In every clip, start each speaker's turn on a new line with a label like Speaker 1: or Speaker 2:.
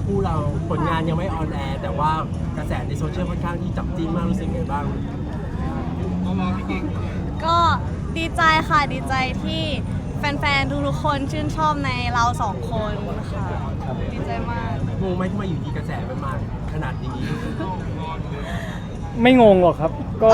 Speaker 1: คู่เราผลงานยังไม่ออนแอร์แต่ว่ากระแสในโซเชียลค่อนข้างที่จับจิ้นมากรู้สึกไงบ้าง
Speaker 2: ก็ดีใจค่ะดีใจที่แฟนๆทุกๆคนชื่นชอบในเราสองคนค่ะดีใจมาก
Speaker 1: งงไหมที่มาอยู่ดีกระแสมันมาขนาดนี้
Speaker 3: ไม่งงหรอกครับก็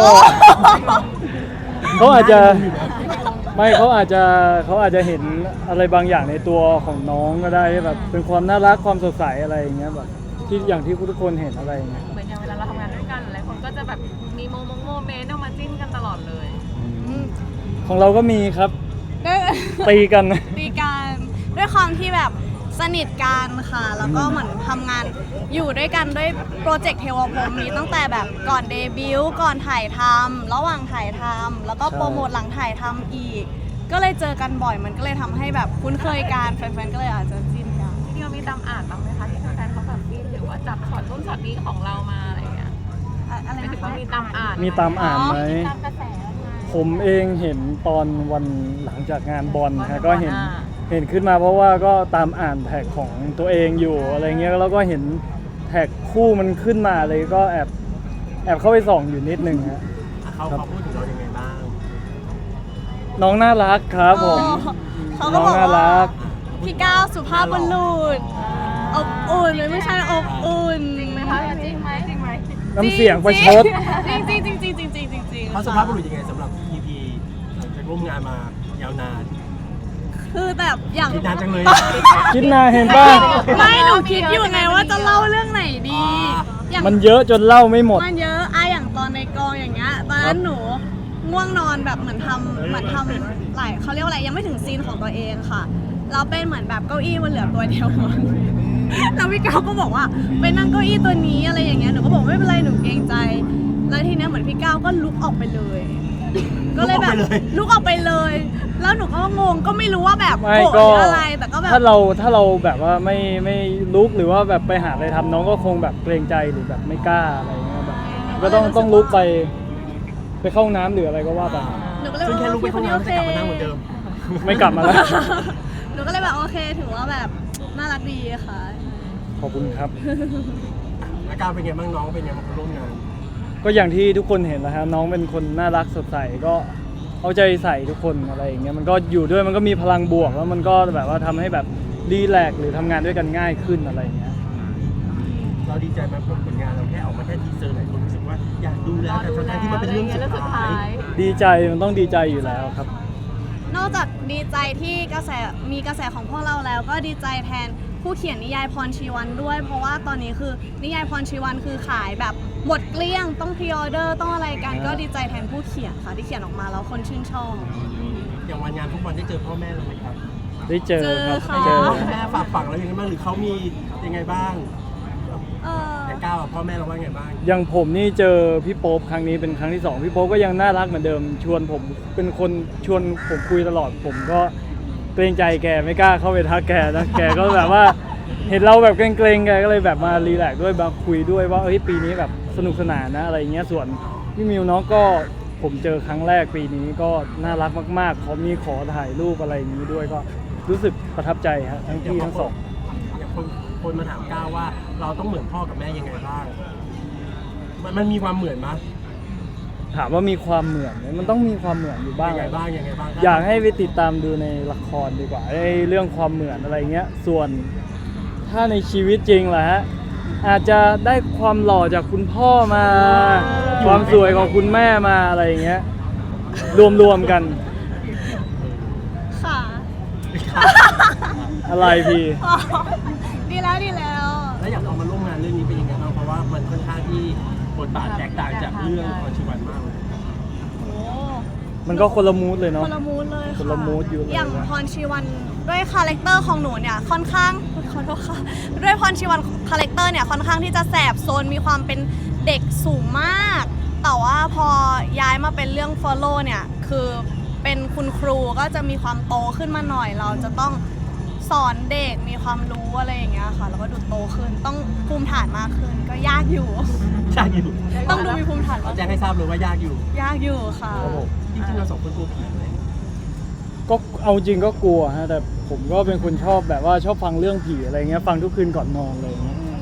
Speaker 3: เขาอาจจะไม่เขาอาจจะเห็นอะไรบางอย่างในตัวของน้องก็ได้แบบเป็นความน่ารักความสดใสอะไรอย่างเงี้ยแบบที่อย่างที่ทุกคนเห็นอะไรอย่างเงี้ย
Speaker 4: เหมือนอย่างเวลาเราทำงานด้วยกันหลายคนก็จะแบบมีโมเมนต์เอามาจิ้นกันตลอดเลย
Speaker 3: ของเราก็มีครับ
Speaker 2: ด้วย
Speaker 3: ตีกัน
Speaker 2: ตีกันด้วยความที่แบบสนิทกันค่ะแล้วก็เหมือนทำงานอยู่ด้วยกันด้วยโปรเจกต์เทวพรหมนี้ตั้งแต่แบบก่อนเดบิวต์ก่อนถ่ายทำระหว่างถ่ายทำแล้วก็โปรโมทหลังถ่ายทำอีกก็เลยเจอกันบ่อยมันก็เลยทำให้แบบคุ้นเคยกันแฟนๆก็เลยอาจจะจิ้นกัน
Speaker 4: ที่เรามีตามอ่านบ้างไหมคะที่แฟนๆเขาแบบจิ้นหรือว่าจับช็อตนู้นช็อตนี้ของเรามาอะไรอย่างเงี้ย
Speaker 2: อะไร
Speaker 4: ไม่ถึง
Speaker 2: นะ
Speaker 4: ว่า
Speaker 2: คะ
Speaker 4: มีตามอ่าน
Speaker 3: มีตามอ่านไหม
Speaker 4: ตามกระแส
Speaker 3: ผมเองเห็นตอนวันหลังจากงานบอลฮะก็เห็นขึ้นมาเพราะว่าก็ตามอ่านแท็กของตัวเองอยู่อะไรเงี้ยแล้วก็เห็นแท็กคู่มันขึ้นมาเลยก็แอบเข้าไปส่องอยู่นิดนึงฮะ
Speaker 1: เขาพูดถึงเรายังไงบ้าง
Speaker 3: น้องน่ารักครับผม
Speaker 2: เขาก็บอกว่าพี่ก้าวสุภาพบุรุษอบอุ่นไม่ใช่อบอุ่น
Speaker 4: จริงไหมคะจริงไหม
Speaker 3: น้ำเสียงประชด
Speaker 2: จริง
Speaker 1: เขาสุภาพบุรุษยังไงสำหรับ EP หลังจากร่วมงานมายาวนาน
Speaker 2: คือแบบอย่าง
Speaker 1: คิดนานจังเลย
Speaker 3: คิดนานเห็นป่ะ
Speaker 2: ไม่หนูคิดอยู่ไงว่าจะเล่าเรื่องไหนดี
Speaker 3: มันเยอะจนเล่าไม่หมด
Speaker 2: มันเยอะอย่างตอนในกองอย่างเงี้ยตอนนั้นหนูง่วงนอนแบบเหมือนทำหลายเขาเรียกว่าอะไรยังไม่ถึงซีนของตัวเองค่ะเราเป็นเหมือนแบบเก้าอี้มันเหลือตัวเดียวแล้วพี่ก้าวก็บอกว่าไปนั่งเก้าอี้ตัวนี้อะไรอย่างเงี้ยหนูก็บอกไม่เป็นไรหนูเกรงใจแล้วทีนี้เหมือนพี่ก้าวก็ลุกออกไปเลยก็เลยแบบลุกออกไปเลยแล้วหนูก็งงก็ไม่รู้ว่าแบบโกรธอะไรแต่ก็แบบ
Speaker 3: ถ้าเราแบบว่าไม่ลุกหรือว่าแบบไปหาอะไรทำน้องก็คงแบบเกรงใจหรือแบบไม่กล้าอะไรเงี้ยแบบก็ต้องลุกไปเข้าห้องน้ำหรืออะไรก็ว่าไป
Speaker 1: ซึ่งแค่ลุกไปเข้าห้องน้ำจะกลับมานั่งเหมือนเดิม
Speaker 3: ไม่กลับมาแล้ว
Speaker 2: หนูก็เลยแบบโอเคถือว่าแบบน่ารักดีค่ะ
Speaker 3: ขอบคุณครับ
Speaker 1: อาการเป็นไงบ้างน้องเป็นไงบ้างร่วมงาน
Speaker 3: ก็อย่างที่ทุกคนเห็นแล้วครับน้องเป็นคนน่ารักสดใสก็เอาใจใส่ทุกคนอะไรอย่างเงี้ยมันก็อยู่ด้วยมันก็มีพลังบวกแล้วมันก็แบบว่าทำให้แบบรีแลกซ์หรือทำงานด้วยกันง่ายขึ้นอะไรอย่างเงี้ย
Speaker 1: เราดีใจไหมผลงานเราแค่ออกมาแค่ทีเซอร์หลายคนรู้สึกว่าอยากดูแล้วแต่ทั้งที่มันเป็นเรื่องสุดท้าย
Speaker 3: ดีใจมันต้องดีใจอยู่แล้วครับ
Speaker 2: นอกจากดีใจที่มีกระแสของพวกเราแล้วก็ดีใจแทนผู้เขียนนิยายพรชีวันด้วยเพราะว่าตอนนี้คือนิยายพรชีวันคือขายแบบหมดเกลี้ยงต้องพรีออเดอร์ต้องอะไรกันก็ดีใจแทนผู้เขียนค่ะที่เขียนออกมาแล้วคนชื่นชอบ
Speaker 1: อย่างวันงานทุกวันได้เจอพ่อแม่เราไหมครับ
Speaker 3: ได้เจอครับ
Speaker 2: เจอ
Speaker 1: แม่ฝากฝังแล้วยังไงบ้างหรือเขามียังไงบ้างแต่ก้าวพ่อแม่เราว่าไงบ้าง
Speaker 3: อย่างผมนี่เจอพี่โป๊ปครั้งนี้เป็นครั้งที่2พี่โป๊ปก็ยังน่ารักเหมือนเดิมชวนผมเป็นคนชวนผมคุยตลอดผมก็เกรงใจแกไม่กล้าเข้าไปทักแกนะแกก็แบบว่าเห็นเราแบบเกรงๆแกก็เลยแบบมารีแลกซ์ด้วยมาคุยด้วยว่าปีนี้แบบสนุกสนานนะอะไรเงี้ยส่วนพี่มิวน้องก็ผมเจอครั้งแรกปีนี้ก็น่ารักมากๆเขามีขอถ่ายรูปอะไรอย่างนี้ด้วยก็รู้สึกประทับใจฮะทั้งที่ทั้งสอง
Speaker 1: อย่างคนมาถามก้าวว่าเราต้องเหมือนพ่อกับแม่ยังไงบ้างมันมีความเหมือนมั้ย
Speaker 3: ถามว่ามีความเหมือนไหมมันต้องมีความเหมือนอยู่บ้าง
Speaker 1: ยังไงบ้าง
Speaker 3: อยากให้ไปติดตามดูในละครดีกว่าเรื่องความเหมือนอะไรเงี้ยส่วนถ้าในชีวิตจริงแหละฮะอาจจะได้ความหล่อจากคุณพ่อมาความสวยของคุณแม่มาอะไรเงี้ยรวมกัน
Speaker 2: ค่ะ
Speaker 3: อะไรพี่
Speaker 2: ดีแล้ว
Speaker 1: แล้วอยากเอามาร่วมงานเรื่องนี้เป็นยังไงบ้างเพราะว่ามันค่อนข้างที่บทบาทแตกต่างจากเรื่องพรชีวันมากเลย
Speaker 3: มันก็คนละมูดเลยเนาะ
Speaker 2: คนละมูดเลย
Speaker 3: คนละมูดอยู่เลย
Speaker 2: อย่างพรชีวันด้วยคาแรคเตอร์ของหนูเนี่ยค่อนข้างขอโทษค่ะด้วยพรชีวันคาแรคเตอร์เนี่ยค่อนข้างที่จะแสบโซนมีความเป็นเด็กสูงมากแต่ว่าพอย้ายมาเป็นเรื่อง Follow เนี่ยคือเป็นคุณครูก็จะมีความโตขึ้นมาหน่อยเราจะต้องสอนเด็กมีความรู้อะไรอย่างเงี้ยค่ะแล้วก็ดูโตขึ้นต้องภูมิฐานมากขึ้นก็ยากอยู่ต้องดูมีภูมิฐาน
Speaker 1: แจ้งให้ทราบเลยว่ายาก
Speaker 2: อยู่ค่ะ
Speaker 1: จริงๆเราสองคนกลัวผีไหม
Speaker 3: ก็เอาจริงก็กลัวฮะแต่ผมก็เป็นคนชอบแบบว่าชอบฟังเรื่องผีอะไรเงี้ยฟังทุกคืนก่อนนอนเลยเงี้ย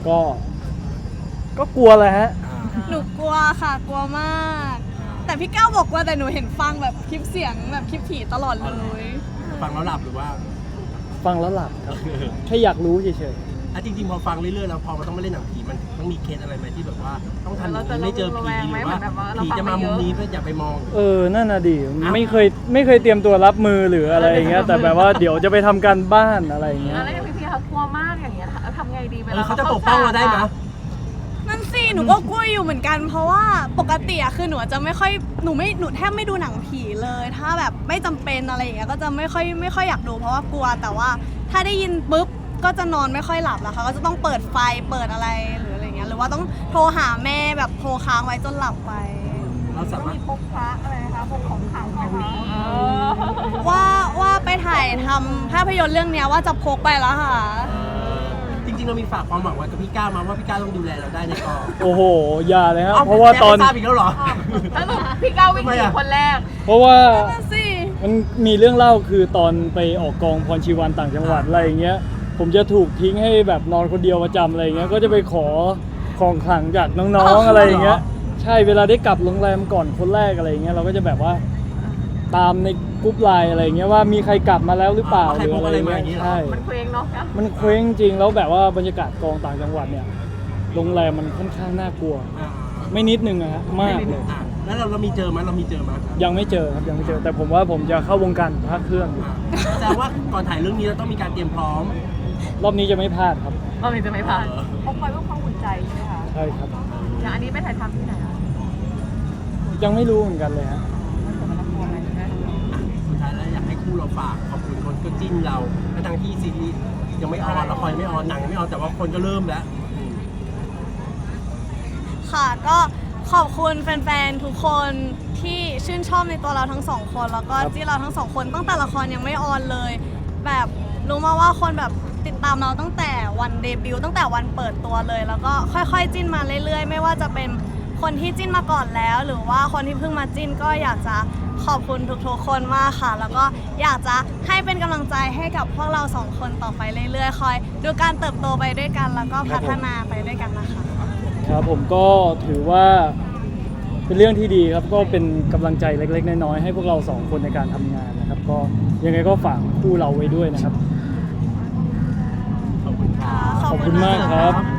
Speaker 3: ก็กลัวแหละฮะ
Speaker 2: หนูกลัวค่ะกลัวมาก แต่พี่ก้าวบอกว่าแต่หนูเห็นฟังแบบคลิปเสียงแบบคลิปผีตลอดเลย
Speaker 1: ฟังแล้วหลับหรือว่า
Speaker 3: ฟังแล้วหลับครับแค่อยากรู้เฉย
Speaker 1: อ่ะจริงๆพอฟังเรื่อยๆแล้วพอมันต้องมาเล่นหนังผีมันต้องมีเคสอะไรไหมที่แบบว่าต้องทำอย่างนี้ไม่เจอผีหรือว่าผีจะมามุมนี้เพื่ออย่าไปมอง
Speaker 3: นั่นน่ะดิไม่เคยเตรียมตัวรับมือหรืออะไรอย่างเงี้ยแต่แบบว่าเดี๋ยวจะไปทำการบ้านอะไรอย่างเงี้ย
Speaker 4: แล้วอย่างพี่เขากลัวมากอย่างเงี้ยทำไงดีเวลา
Speaker 1: เขาจะปกป้องเราได้ไหม
Speaker 2: นั่นสิหนูก็กลัวอยู่เหมือนกัน เพราะว่าปกติอะคือหนูจะไม่ค่อยหนูแทบไม่ดูหนังผีเลย ถ้าแบบไม่จำเป็นอะไรอย่างเงี้ยก็จะไม่ค่อยอยากดูเพราะว่ากลัวแต่ว่าถ้าได้ยินปุ๊บก็จะนอนไม่ค่อยหลับแล้วค่ะก็จะต้องเปิดไฟเปิดอะไรหรืออะไรเงี้ยหรือว่าต้องโทรหาแม่แบบโทรค้างไว้จนหลับไป
Speaker 1: เราสามารถ
Speaker 4: พกพระอะไรนะคะพกของขลังไหมคะ
Speaker 2: ว่าไปถ่ายทำภาพยนตร์เรื่องเนี้ยว่าจะพกไปแล้วค่ะ
Speaker 1: จริงๆเรามีฝากความหวังไว้กับพี่ก้าวมาว่าพี่ก้าวต้องดูแลเราได้ในกอง
Speaker 3: โอ้โหอย่าเลยครับเพราะว่าตอน
Speaker 1: ทราบอีกแล้วเหรอ
Speaker 4: สรุปพี่ก้าววิ่งหนีคนแรก
Speaker 3: เพราะว่า
Speaker 2: นั่นสิ
Speaker 3: มันมีเรื่องเล่าคือตอนไปออกกองพรชีวันต่างจังหวัดอะไรอย่างเงี้ยผมจะถูกทิ้งให้แบบนอนคนเดียวประจำอะไรอย่างเงี้ยก็จะไปขอของขลังจากน้องๆอะไรอย่างเงี้ยใช่เวลาได้กลับโรงแรมก่อนคนแรกอะไรอย่างเงี้ยเราก็จะแบบว่าตามในกรุ๊ปไลน์อะไรอย่างเงี้ยว่ามีใครกลับมาแล้วหรือเปล่า
Speaker 1: ใครพกอะไรมาอย่างงี้เหรอ
Speaker 3: ใช่
Speaker 4: มันเคว้งเนาะ
Speaker 3: มันเคว้งจริงแล้วแบบว่าบรรยากาศกองต่างจังหวัดเนี่ยโรงแรมมันค่อนข้างน่ากลัว ไม่นิดนึงอะฮะมากเลย
Speaker 1: แล้วเรามีเจอมั้ยเรามีเจอมั้ย
Speaker 3: ยังไม่เจอครับยังไม่เจอ แต่ผมว่าผมจะเข้าวงการพระเครื่องอยู่
Speaker 1: แต่ว่าก่อนถ่ายเรื่องนี้เราต้องมีการเตรียมพร้อม
Speaker 3: รอบนี้จะไม่พลาดครับ
Speaker 4: เราจะไม่ผ่านพกไปเพื่อความอุ่นใจใช่ไหมคะ
Speaker 3: ใช่ครับ
Speaker 4: อย่างอันนี้ไปถ่ายทำที่ไหนคะ
Speaker 3: ยังไม่รู้เหมือนกันเลยฮะ
Speaker 4: มันสมรภูมิอะไรใช่ไหม
Speaker 1: สุดท้ายแล้วอยากให้คู่เราฝากขอบคุณคนก็จิ้นเราทั้งที่ซีรีส์ยังไม่ออนละครยังไม่ออนหนังยังไม่ออนแต่ว่าคนก็เริ่มแล้ว
Speaker 2: ค่ะก็ขอบคุณแฟนๆทุกคนที่ชื่นชอบในตัวเราทั้งสองคนแล้วก็
Speaker 3: ครับ
Speaker 2: ที่เราทั้งสองคนตั้งแต่ละครยังไม่ออนเลย แบบรู้มาว่าคนแบบติดตามเราตั้งแต่วันเดบิวต์ตั้งแต่วันเปิดตัวเลย แล้วก็ค่อยๆจิ้นมาเรื่อยๆ ไม่ว่าจะเป็นคนที่จิ้นมาก่อนแล้ว หรือว่าคนที่เพิ่งมาจิ้นก็อยากจะขอบคุณทุกๆคนมากค่ะ แล้วก็อยากจะให้เป็นกำลังใจให้กับพวกเราสองคนต่อไปเรื่อยๆคอยดูการเติบโตไปด้วยกัน แล้วก็พัฒนาไปด้วยกันนะคะ
Speaker 3: ครับผมก็ถือว่าเป็นเรื่องที่ดีครับก็เป็นกำลังใจเล็กๆน้อยๆให้พวกเราสองคนในการทำงานนะครับ ก็ยังไงก็ฝากคู่เราไว้ด้วยนะครับ
Speaker 1: ขอบคุณครับ
Speaker 3: ขอบคุณมากครับ